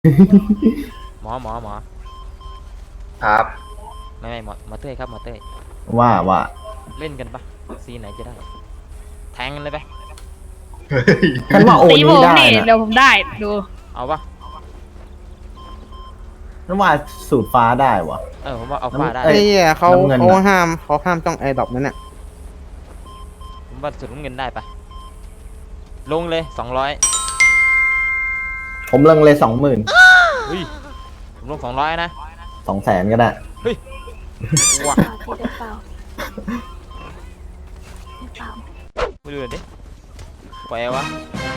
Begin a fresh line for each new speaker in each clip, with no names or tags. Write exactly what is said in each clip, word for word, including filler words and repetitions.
หมอหมอหมอ
ครับ
ไม่ไม่หมอหมอเต้ยครับหมอเต้ย
ว่าว่า
เล่นกันปะซีไหนจะได้แทงกันเลยไป
ฉันว่าโอ
ตีผ
นี้
ม
ได้
นี่
นะ
เดี๋ยวผมได้ดู
เอาปะ
ฉันว่าสูตรฟ้าได้วะ
เออผมว่าเอาฟ้าได้
เอ้
ไอ้
ย
เหี้ยเขา
น้ำเงิน
เขา
น่ะ
ห้ามเขาห้ามจ้องไอ้ดอกนั่นน่ะ
ผมว่าสุดน้ำเงินได้ปะลงเลยสองร้อย
ผมเลิงเลยสองหมื่น
เฮ้ยผมลงสองร้อยนะ
สองแสนก็ได้
ว้า
พี่ได้เปล่าได้เปล่า
ไปดูหน่อยดิปล่อยวะ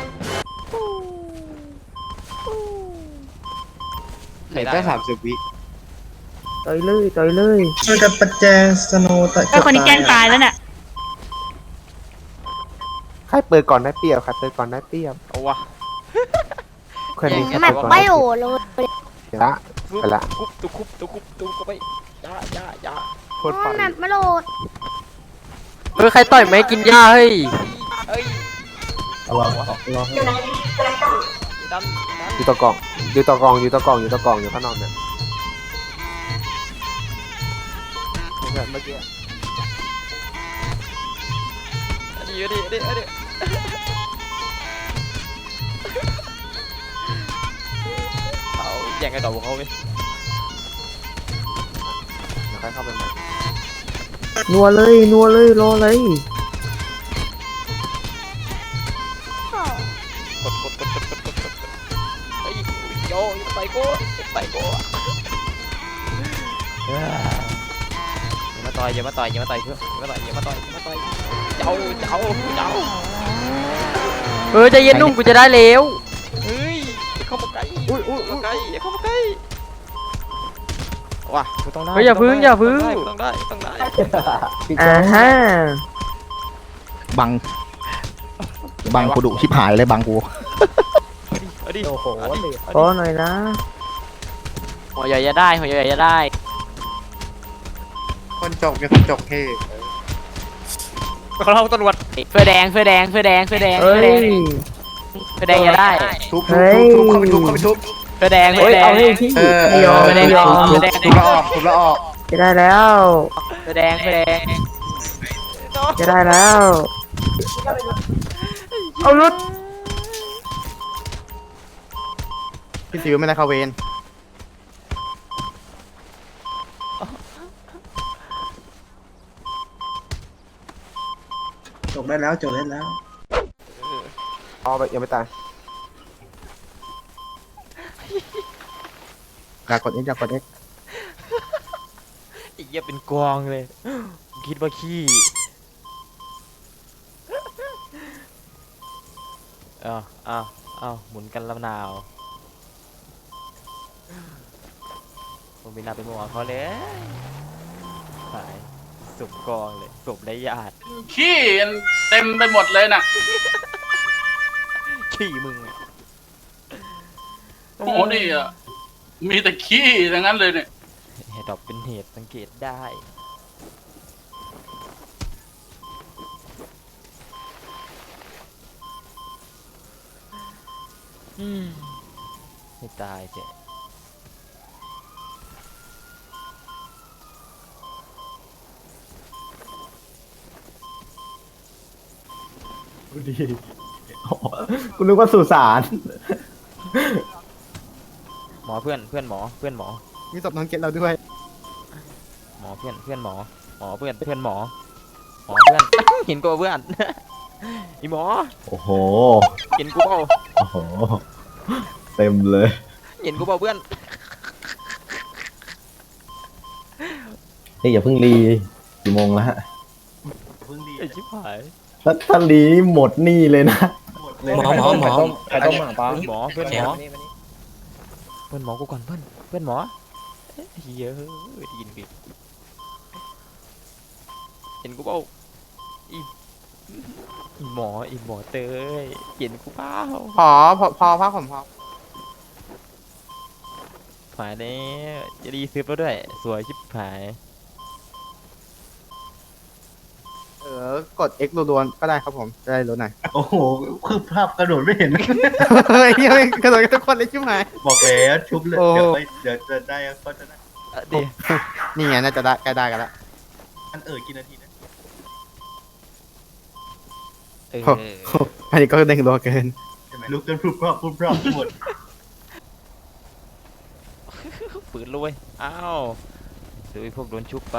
ใคร
เหลือ
ได้
แค่
วะ
สามสิบวิต่อยเลยต่อยเลย
ช่วยกันประแจงสโนว์ตะ
ไอ้คนนี้แกล้งตายแล้วเนี่ย
ใครเปิดก่อนได้เปรียบใครเปิดก่อนได้เปรียบ
เอาวะ
คนนี้
แย่ง
แม
กั
ป
น
ไม่โหเลย
ละ
ซุบ
ไปละ
คุบตุคุบตุคุบตุก็ไปยายายา
โคตรปั่น
แมปไม่โหลด
เฮ้ยใครต่อยไหมกินหญ้าเฮ้ย
เอ้ย
ระวังระวัง
ดันดัน
อยู่ตะกล่องอยู่ตะกล่องอยู่ตะกล่องอยู่ตะกล่องอยู่ข้างนอกเนี่ยแบบเมื่อกี้
อันนี้อันนี้อันนี้อันนี้เอาแย่งไอ้ดอกของเขาไป
เดี๋ยวใครเข้าไปใหม่
นัวเลยนัวเลยรอเลย
กดกดกดกดกดกดกดไอ้ยโยอย่าไปกูอย่าไปกูอย่ามาต่อยอย่ามาต่อยอย่ามาต่อยเพื่อนอย่ามาต่อยอย่ามาต่อยอย่ามาต่อยเจ้าเจ้าเจ้า
เฮ้ยใจเย็นนุ่มกูจะได้แล้ว
เฮ้ยอย่าเข้ามาใกล้อุ้ยอุ้ยเข้ามาใกล้อย่าเข้ามาใกล้ว่ะกูต้องได้
เฮ้ยอย่าพึ่งอย่าพึ่ง
ต้องได้ต้องได้
อ่าฮะ
บัง บังกูดุชิบหายเลยบังกู
เอาดิ
โอ้โห
เอาดิ
ขอหน่อยนะหัวใหญ่จะได้หัวใหญ่จะได้
คนจกเนี่ยคนจกเท่
เขาเล่าตำรวจ
เฟือแดงเฟือแดงเฟือแดงเฟือแดง
เฮ้
เฟือย แดงเฟือแดงจะได้
ทุบทุบทุบทุบเข้าไปทุบเข้าไปทุบ
เฟือแดงเฟื
เฮ้
อย แด
เอา
ง
ให้พี่
เออ
ไม่ยอมไม่ได้ยอม
ทุบ
ไม่ได้
ทุบแล้วออกทุบแล้วออก
จะได้แล้วเฟือแดงเฟือแดงจะได้แล้วเอารุด
พี่ซิวไม่ได้เข้าเวร
จบได้แล้วจบได้แล้ว
เอาไปยังไม่ตาย
อยากกดเอ็กอยากกดเอ็ก
ไอ้เหี้ยเป็นกวางเลยคิดว่าขี้เอ้าเอ้าเอ้าหมุนกันลำนาวผมมีนาเป็นหมอเขาเลยหายศพกองเลยศพไร้ญาติ
ขี้เต็มไปหมดเลยน่ะ
ขี้มึงอะ
โอ้โหนี่อ่ะ มีแต่ขี้ทั้งนั้นเลยเนี่ย
เหตุดอกเป็นเหตุสังเกตได้อืมให้ตายเจ๊
ดูดิอ๋อกูนึกว่าสุสาน
หมอเพื่อนเพื่อนหมอเพื่อนหมอ
มีศพน้องเกตเราด้วย
หมอเพื่อนเพื่อนหมอหมอเพื่อนเพื่อนหมอหมอเพื่อน เห็นกูเพื่อน อีหมอ
โอ้โห
เห็นกูเปล่า
โอ้โห เต็มเลย
เห็นกูเปล่าเพื่อน
เฮ้ยอย่าเพิ่งรีกี่โมงแล้วฮะ
ไอ้ชิบหาย
ถ้าถ้ารีหมดหนี่เลยนะ
หมอหมอหมอ
ใครต้องมาป้า
หมอเพื่อนหมอเพื่อนหมอกูก่อนเพื่อนเพื่อนหมอเฮ้ยเยอะได้ยินผิดเห็นกูเปล่าอีอีหมออีหมอเตยเห็นกูเปล่า
พอพอพอพักผมพอ
หายเนี่ยจะดีซื้อแล้วด้วยสวยชิบหาย
เอออกด X รัวๆก็ได้ครับผมจะได้รู้หน่อย
โอ้โหคือภาพกระโดดไม่เห็น
เฮ้ยยังไม่กระโดดกันทุกคนเลยใช่ไหม
บอกแล้วชุบเลย
โอ้
เดี๋ยวไปเดี๋ยวจะได้ก็จะได้
อ่ะดี
นี่ไงน่าจะได้ใกล้ได้กันละ
มันเออกี่นาทีนะ
เออ
อันนี้ก็เด้งรัวเกิน
ใช่ไหมลุกกันพรุบพรับพรุบพรับหมด
ปืนเลยเว้ยอ้าวดูไอ้พวกโดนชุบไป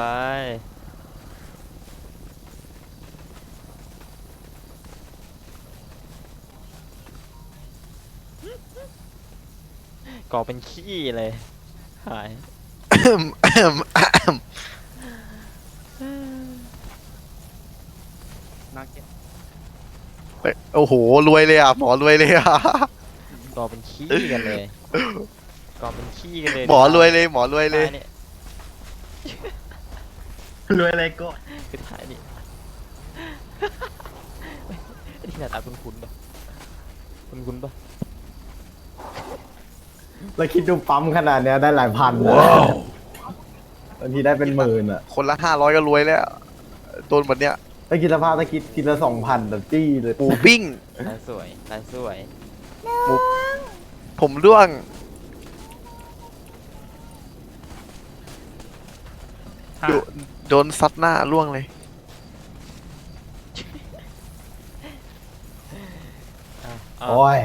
ก่อเป็นขี้เลยหาย
โอ้โห รวยเลยอ่ะ หมอรวยเลยอ่ะ
ก่อเป็นขี้กันเลยก่อเป็นขี้กันเลย
หมอรวยเลย หมอรวยเลย
ท้านี่
รวยอะไรก็
คือท้ายนี่ ไอ้ที่หน้าตาคุ้นๆปะคุ้นๆปะ
แล้วคิดดูปั๊มขนาดเนี้ยได้หลายพันนะบางทีได้เป็นหมื่นอ่ะ
คนละห้าร้อยก็รวยแล้ว โดนแบบเนี้ย
ถ้าคิดสภาพถ้าคิดคิดละสองพันแบบจี้เลย
หมูปิ้ง
ลายสวยลายสวย
ผมร่วง โดนโดนซัดหน้าร่วงเลย
อ่ะเอา
โอ้ย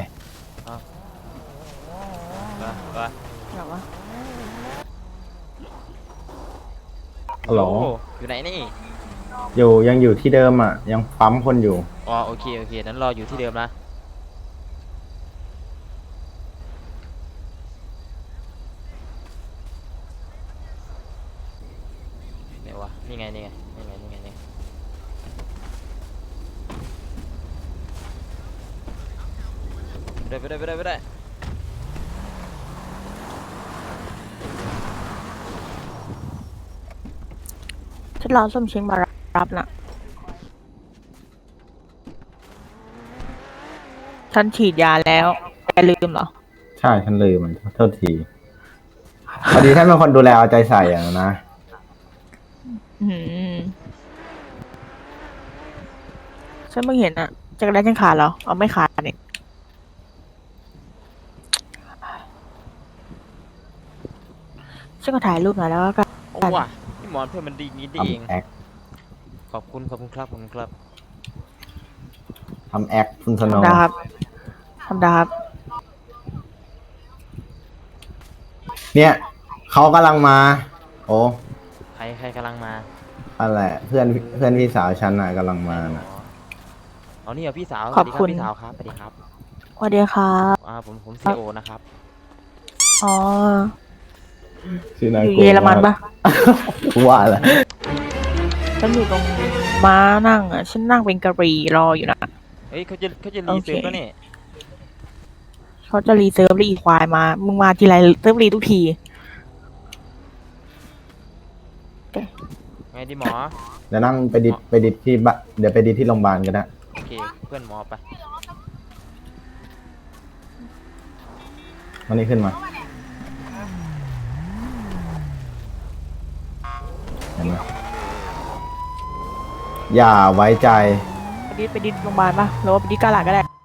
ไปไป
แบบว่า
ฮัลโหล
โอ้อยู่ไหนนี่
อยู่ยังอยู่ที่เดิมอ่ะ ยังปั๊มคนอยู่
อ๋อโอเคโอเคนั้นรออยู่ที่เดิมนะไหนวะนี่ไงนี่ไงนี่ไงนี่ไงนี่ไงไปได้ไปได้ไปได้ไปได้
ฉันรอส้มเช้งมารับน่ะ ฉันฉีดยาแล้วแกลืมเหรอ
ใช่ฉันลืมมันโทษทีพอดีท่านเป็นคนดูแลเอาใจใส่อ่ะนะ
อืมฉันเพิ่งเห็นอะจักรแล้ฉันขาดเหรอ เอาไม่ขาดนี่ฉันก็ถ่ายรูปหน่อยแล้วก็
โอ้ว่ะพี่หมอนเพื่อนมันดีนี้ดีเอง
ทำแอค
ขอบคุณขอบคุณครับขอบคุณครับ
ทำแอคคุณสโน
ทำดาครับทำดาครับ
เนี่ยเขากำลังมา โอ้
ใครใครกำลังมา
อะไรเพื่อนเพื่อนพี่สาวฉันน่ะกำลังมาน่ะ
อ๋อนี่เหรอพี่สาว
ขอบคุณ
สวัสดีรับพี่สาวครับสวัสดีครับ
สวัสดีครับ
อ่าผมผมซีโอนะครับ
อ๋อ
ชื่อนา
อยู่
โก
เยอรมันปะ
ว่าแหละ
ฉันอยู่ตรงม้านั่งอ่ะ ฉันนั่งเป็นกะหรี่รออยู่นะ
เฮ้ยเขาจะเขาจะรีเซิร์ฟแล้วนี่
เขาจะรีเซิร์ฟรีควายมา มึงมาทีไรเซิร์ฟรีทุกที
ไงดีหมอ
เดี๋ยวนั่งไปดิดไปดิดที่บะเดี๋ยวไปดิดที่โรงพยาบาลก็ได้
โอเคเพื่อนหมอไป
วันนี้ขึ้นมาเห็นไหมอย่าไว้ใจ
ไปดิดไปดิดโรงพยาบาลปะหรือว่าไปดิดกาลาดก็ได้